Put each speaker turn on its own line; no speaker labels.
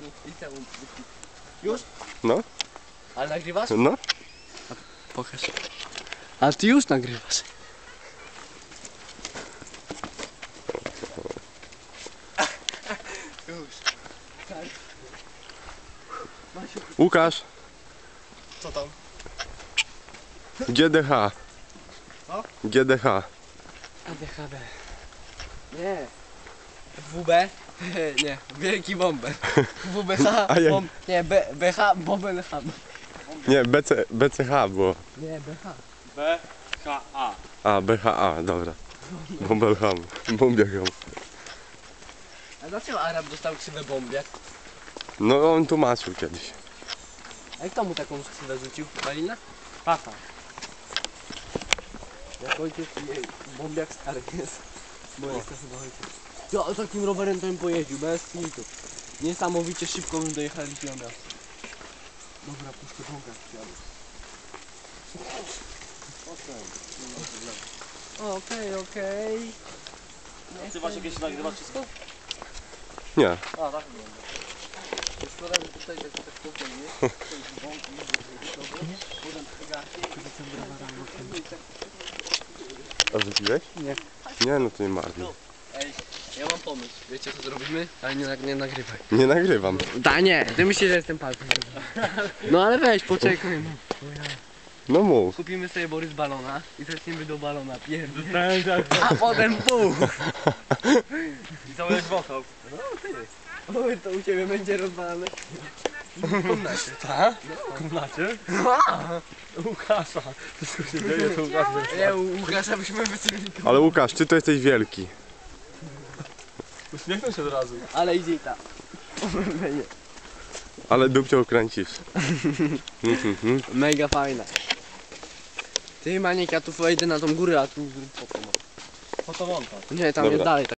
liceum. Już?
No,
Ale nagrywasz?
no.
Pokaż. A ty już nagrywasz. Już. Tak. Masiu,
Łukasz,
co tam?
GDH.
Co?
GDH.
ADHD. Nie. WB? Nie, wielki bomber. WBH,
A jak?
nie, BH, bomber hub.
Nie, BCH było.
Nie, BH.
BHA.
A, BHA, dobra. Bombelham. Bombiacham.
A dlaczego Arab dostał ksywę bombiak?
No on tłumaczył kiedyś.
A kto mu taką ksywę rzucił? Malina?
Tata.
Jak ojciec bombiak stary jest. Bo jest to chyba ojciec. Ja takim rowerem to bym pojeździł, bez klitu. Niesamowicie szybko bym dojechał do miasta. Dobra, puszczę bąka przyjadę. Okej.
Ty masz jakieś nagrywa wszystko?
Nie.
A, tak wygląda.
Szkoda, że tutaj tak spokojnie. Bąki, potem
A wypiłeś?
Nie.
Nie, no to nie marnuj.
Ej, ja mam pomysł. Wiecie co zrobimy? Ale nie nagrywaj.
Nie nagrywam.
Da nie, ty myślisz, że jestem palcem. No ale weź, poczekaj.
No mów.
Kupimy sobie Borys balona i zaczniemy do balona pierdolić. A potem pół.
I cały wokół.
Oj, to u ciebie będzie rozwalane. W komnacie.
Tak? W komnacie? Łukasza. Wszystko się dzieje, to Łukasz.
Nie, u Łukasza byśmy wycelili.
Ale Łukasz, ty to jesteś wielki.
Uśmiechnął się od razu.
Ale idzie i tak.
Ale dupcią kręcisz.
Mega fajna. Ty Maniek, ja tu wejdę na tą górę, a tu zrób fotomontaż.
Fotomontaż.
Nie, tam
Dobra.
jest dalej.